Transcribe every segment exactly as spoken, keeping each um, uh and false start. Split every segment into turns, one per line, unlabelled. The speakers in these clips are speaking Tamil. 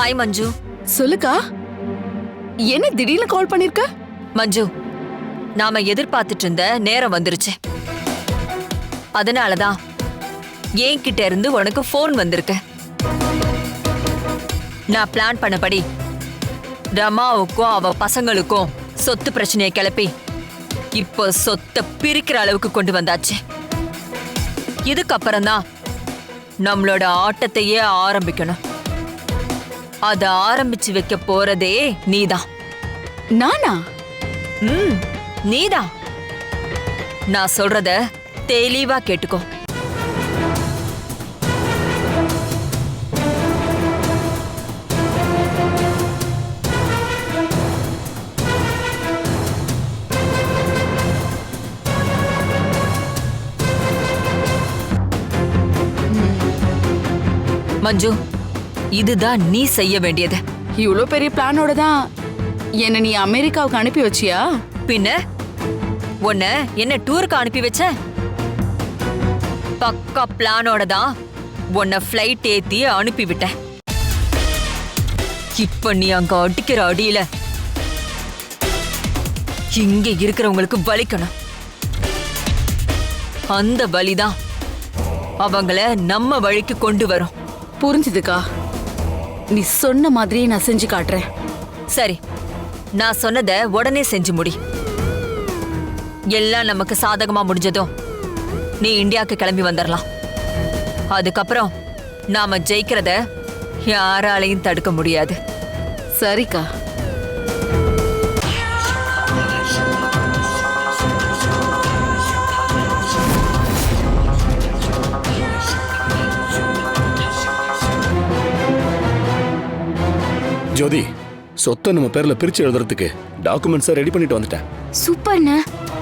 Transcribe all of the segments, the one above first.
ஹாய் மஞ்சு.
சொல்லுக்கா, என்ன திடீர்னு கால் பண்ணிருக்க?
மஞ்சு, நாம எதிர்பார்த்துட்டு இருந்த நேரம் வந்துருச்சு. அதனாலதான் என்கிட்ட இருந்து உனக்கு போன் வந்திருக்கு. நான் பிளான் பண்ணபடி ரமாவுக்கும் அவ பசங்களுக்கும் சொத்து பிரச்சனையை கிளப்பி இப்போ சொத்தை பிரிக்கிற அளவுக்கு கொண்டு வந்தாச்சு. இதுக்கப்புறம் தான் நம்மளோட ஆட்டத்தையே ஆரம்பிக்கணும். அத ஆரம்பிச்சு வைக்க போறதே நீதான்.
நானா?
ம், நீதான். நான் சொல்றத தெளிவா கேட்டுக்கோ. மஞ்சு, இதுதான் நீ செய்ய வேண்டியது.
இவ்ளோ பெரிய பிளானோட தான் என்ன நீ அமெரிக்காவுக்கு அனுப்பி வச்சியா?
பின்ன உன்னை என்ன டூருக்கு அனுப்பி வச்ச? பக்கா பிளானோட தான் உன்னை ஃப்ளைட் ஏத்தி அனுப்பி விட்டேன். இப்ப நீ அங்க அடிக்கிற அடியில இங்க இருக்கிறவங்களுக்கு வலிக்கணும். அந்த வலிதான் அவங்கள நம்ம வழிக்கு கொண்டு வரும்.
புரிஞ்சுதுக்கா, நீ சொன்ன மாதிரியே நான் செஞ்சு காட்டுறேன்.
சரி, நான் சொன்னதை உடனே செஞ்சு முடி. எல்லாம் நமக்கு சாதகமா முடிஞ்சதும் நீ இந்தியாவுக்கு கிளம்பி வந்துடலாம். அதுக்கப்புறம் நாம ஜெயிக்கிறத யாராலையும் தடுக்க முடியாது.
சரிக்கா.
ஜோதி, சொத்தை நம்ம பேர்ல பிரிச்சு எழுதுறதுக்கு டாக்குமெண்ட்ஸ் ரெடி பண்ணிட்டு வந்துட்டேன்.
சூப்பர்ண்ணே.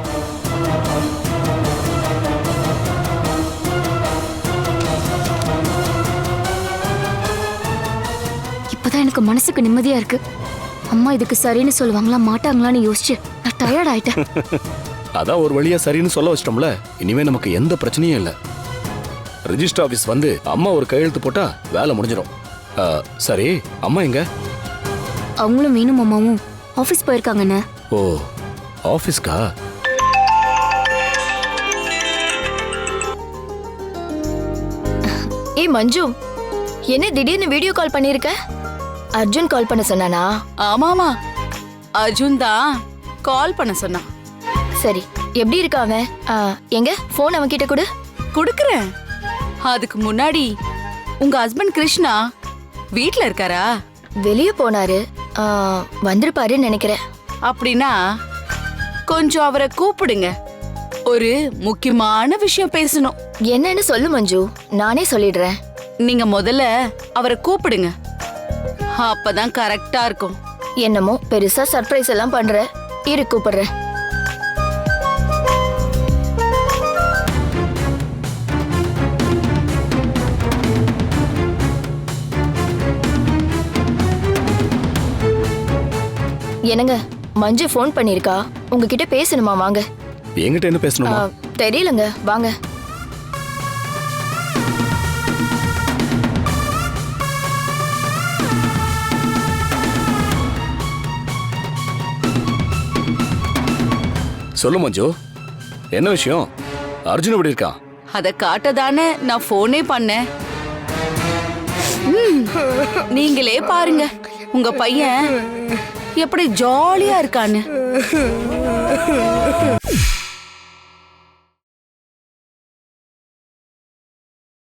இப்பதான் எனக்கு மனசுக்கு நிம்மதியா இருக்கு. அம்மா இதுக்கு சரின்னு சொல்லுவாங்களா மாட்டாங்களான்னு யோசிச்சு நான் டயர்ட் ஆயிட்டேன்.
அதான் ஒரு வழியா சரின்னு சொல்ல வச்சிட்டோம்ல. இனிமே நமக்கு எந்த பிரச்சனையும் இல்ல. ரெஜிஸ்டர் ஆபீஸ் வந்து அம்மா ஒரு கையெழுத்து போட்டா வேலை முடிஞ்சிடும். சரி, அம்மா எங்க?
அவங்களும் மீனும் அம்மாவும் ஆபீஸ் போயிருக்காங்கண்ணே.
ஓ, ஆபீஸ்க்கா?
ஏய் மஞ்சு, என்ன திடீர்னு வீடியோ கால் பண்ணிருக்க? அர்ஜுன் கால் பண்ண சொன்னானா?
ஆமாமா, அர்ஜுன் தான் கால் பண்ண சொன்னான்.
சரி, எப்படி இருக்கா அவன்? ஆ, எங்க போன் அவன் கிட்ட கொடு.
கொடுக்கறேன். அதுக்கு முன்னாடி உங்க ஹஸ்பண்ட் கிருஷ்ணா வீட்ல இருக்காரா?
வெளியே போனாரு, ஆ, வந்திருப்பாருன்னு நினைக்கிறேன்.
அப்படின்னா கொஞ்சம் அவரை கூப்பிடுங்க. ஒரு முக்கியமான விஷயம் பேசணும்.
என்னன்னு சொல்லு மஞ்சு, நானே சொல்லிடுறேன்.
நீங்க முதல்ல அவரை கூப்பிடுங்க, அப்பதான் கரெக்டா இருக்கும்.
என்னமோ பெருசா சர்ப்ரைஸ் எல்லாம் பண்ற. இரு, கூப்பிடுறேன். என்னங்க, மஞ்சு போன் பண்ணிருக்கா, உங்ககிட்ட பேசணுமா? வாங்க.
என்கிட்ட என்ன பேசணுமா?
தெரியலங்க, வாங்க.
சொல்லு மஞ்சு, என்ன விஷயம்? அர்ஜுன் எப்படி இருக்கா?
அத காட்டதானே நான் போனே பண்ணேன். ம், நீங்களே பாருங்க உங்க பையன் எப்படி ஜாலியா இருக்கான்னு.